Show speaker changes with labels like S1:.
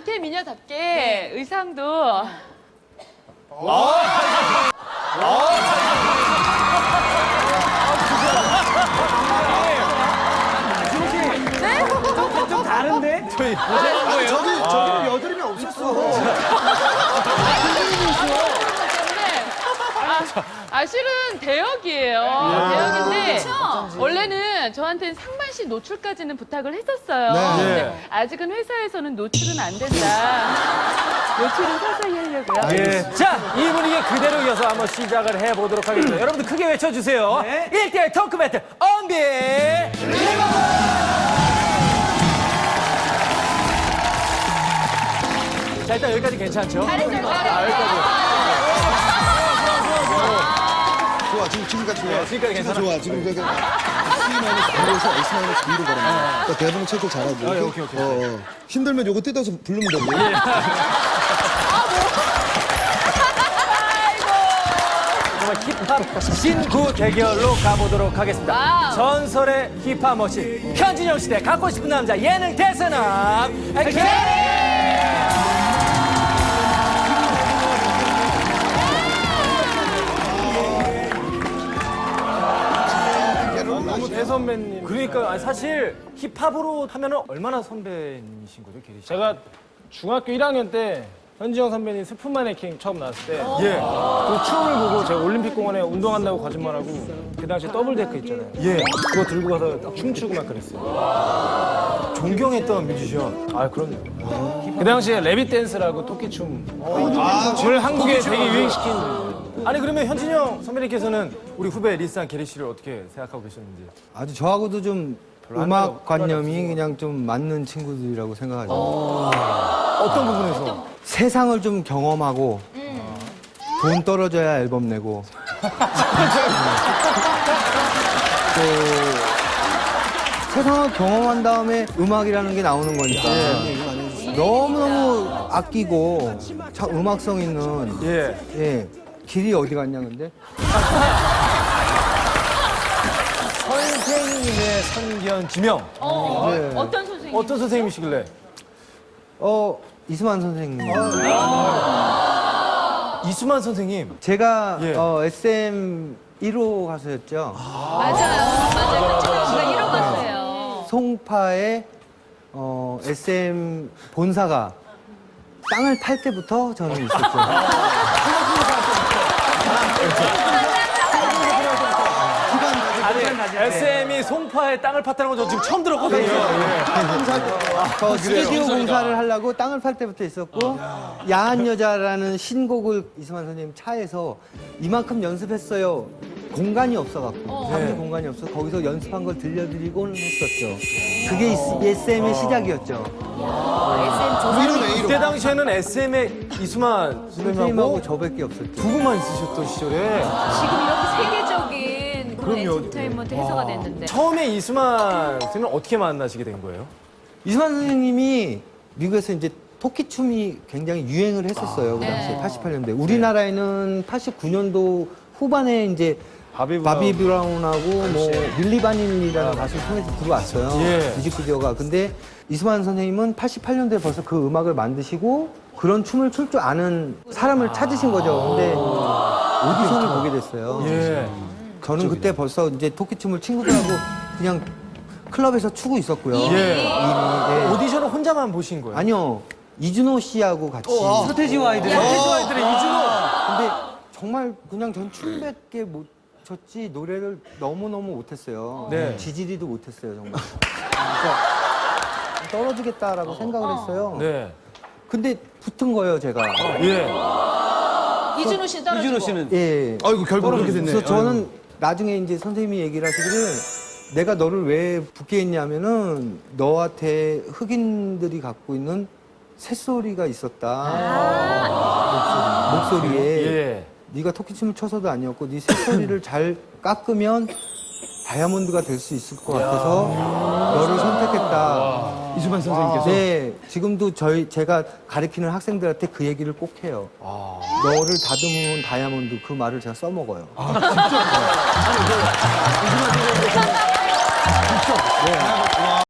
S1: 이태 미녀답게 의상도
S2: 좀 다른데?
S3: 저희
S4: 저기는 여드름이 없었어.
S1: 실은 대역이에요. 대역인데 원래는 저한테는 상반신 노출까지는 부탁을 했었어요.
S4: 네.
S1: 근데 아직은 회사에서는 노출은 안 된다. 노출은 서서히 하려고요.
S3: 예. 자, 이 분위기 그대로 이어서 한번 시작을 해보도록 하겠습니다. 여러분들 크게 외쳐주세요.
S2: 네.
S3: 1대1 토크 배틀, 언비! 자, 일단 여기까지 괜찮죠?
S4: 좋아, 지금까지 좋아.
S3: 네, 지금까지 괜찮아.
S4: 좋아. 지금 저기 C-B에서 S-B로 가는 거야. 그러니까 대본 체크 잘하고. 이렇게.
S3: 오케이.
S4: 힘들면 요거 뜯어서 부르면 되고.
S3: 정말 힙합 신구 대결로 가보도록 하겠습니다.
S1: 와우.
S3: 전설의 힙합 머신 현진영 시대 갖고 싶은 남자 예능 대선남 캐리! 너무 대선배님. 그러니까 아니, 사실 힙합으로 하면은 얼마나 선배님이신 거죠, 캐리 씨?
S5: 제가 중학교 1학년 때 현지영 선배님 슬픈 마네킹 처음 나왔을 때
S3: 예,
S5: 그 춤을 보고 제가 올림픽공원에 운동한다고 거짓말하고 그 당시에 더블데크 있잖아요.
S3: 예.
S5: 그거 들고 가서 딱 춤추고 막 그랬어요.
S3: 존경했던 뮤지션.
S5: 아 그럼요. 그 당시에 레빗 댄스라고 토끼춤 을 한국에 되게 유행시킨
S3: 아니 그러면 현진영 선배님께서는 우리 후배 리스한 캐리 씨를 어떻게 생각하고 계셨는지?
S6: 아주 저하고도 좀
S3: 안
S6: 음악
S3: 해요.
S6: 관념이 그냥 좀 맞는 친구들이라고 생각하죠.
S3: 어떤 부분에서?
S6: 세상을 좀 경험하고 돈 떨어져야 앨범 내고 또 세상을 경험한 다음에 음악이라는 게 나오는 거니까 너무너무 아끼고 참 음악성 있는
S3: 예.
S6: 길이 어디 갔냐 근데?
S3: 선생님의 선견 지명.
S6: 네.
S1: 어떤 선생님?
S3: 어떤 선생님이시길래?
S6: 이수만 선생님.
S3: 이수만 선생님.
S6: 제가
S3: 예.
S6: SM 1호 가수였죠.
S1: 맞아요. 제가 1호 갔어요.
S6: 송파의 SM 본사가 땅을 팔 때부터 저는 있었죠.
S3: 아니, SM이 송파에 땅을 팠다는 건 저 지금 처음 들었거든요.
S6: 저 스튜디오 공사를 하려고 땅을 팔 때부터 있었고 야한 여자라는 신곡을 이수만 선생님 차에서 이만큼 연습했어요. 공간이 없어갖고 잠시 공간이 없어 거기서 연습한 걸 들려드리고는 했었죠. 그게 SM의 시작이었죠.
S3: 그때 당시에는 SM의 이수만
S6: 선생님하고
S3: 선생님하고
S6: 저밖에 없었죠.
S3: 두 분만 있으셨던 시절에
S1: 지금 이렇게 세계적인 그런 엔터테인먼트 해서가 됐는데.
S3: 처음에 이수만 선생님은 어떻게 만나시게 된 거예요?
S6: 이수만 선생님이 미국에서 이제 토끼춤이 굉장히 유행을 했었어요. 그 당시에 88년대. 우리나라에는 89년도 후반에 이제 바비 브라운하고 뭐 밀리 바닐이라는 가수를 통해서 들어왔어요.
S3: 예.
S6: 뮤직비디오가. 근데 이수만 선생님은 88년도에 벌써 그 음악을 만드시고 그런 춤을 출 줄 아는 사람을 찾으신 거죠. 근데 오디션을 보게 됐어요.
S3: 예.
S6: 저는 그때 벌써 이제 토끼춤을 친구들하고 그냥 클럽에서 추고 있었고요.
S3: 예.
S6: 예.
S3: 오디션을 혼자만 보신 거예요?
S6: 아니요. 이준호 씨하고 같이.
S2: 서태지와 아이들.
S3: 서태지와 아이들의 이준호.
S6: 근데 정말 그냥 전 춤밖에 못 췄지 노래를 너무너무 못했어요.
S3: 네.
S6: 지지리도 못했어요, 정말. 그러니까 떨어지겠다라고 생각을 했어요.
S3: 네.
S6: 근데 붙은 거예요, 제가.
S3: 예.
S1: 이준호 씨 떨어지고.
S2: 이준호 씨는
S6: 예.
S4: 아이고, 결국 그렇게 됐네.
S6: 그래서 저는 나중에 이제 선생님이 얘기를 하시기를 내가 너를 왜 붙게 했냐면은 너한테 흑인들이 갖고 있는 새소리가 있었다. 목소리에.
S3: 예.
S6: 네가 토끼춤을 춰서도 아니었고 네 새소리를 잘 깎으면 다이아몬드가 될 수 있을 것 같아서 너를 선택했다.
S4: 이수만 선생님께서.
S6: 네, 지금도 제가 가르치는 학생들한테 그 얘기를 꼭 해요. 너를 다듬으면 다이아몬드 그 말을 제가 써먹어요.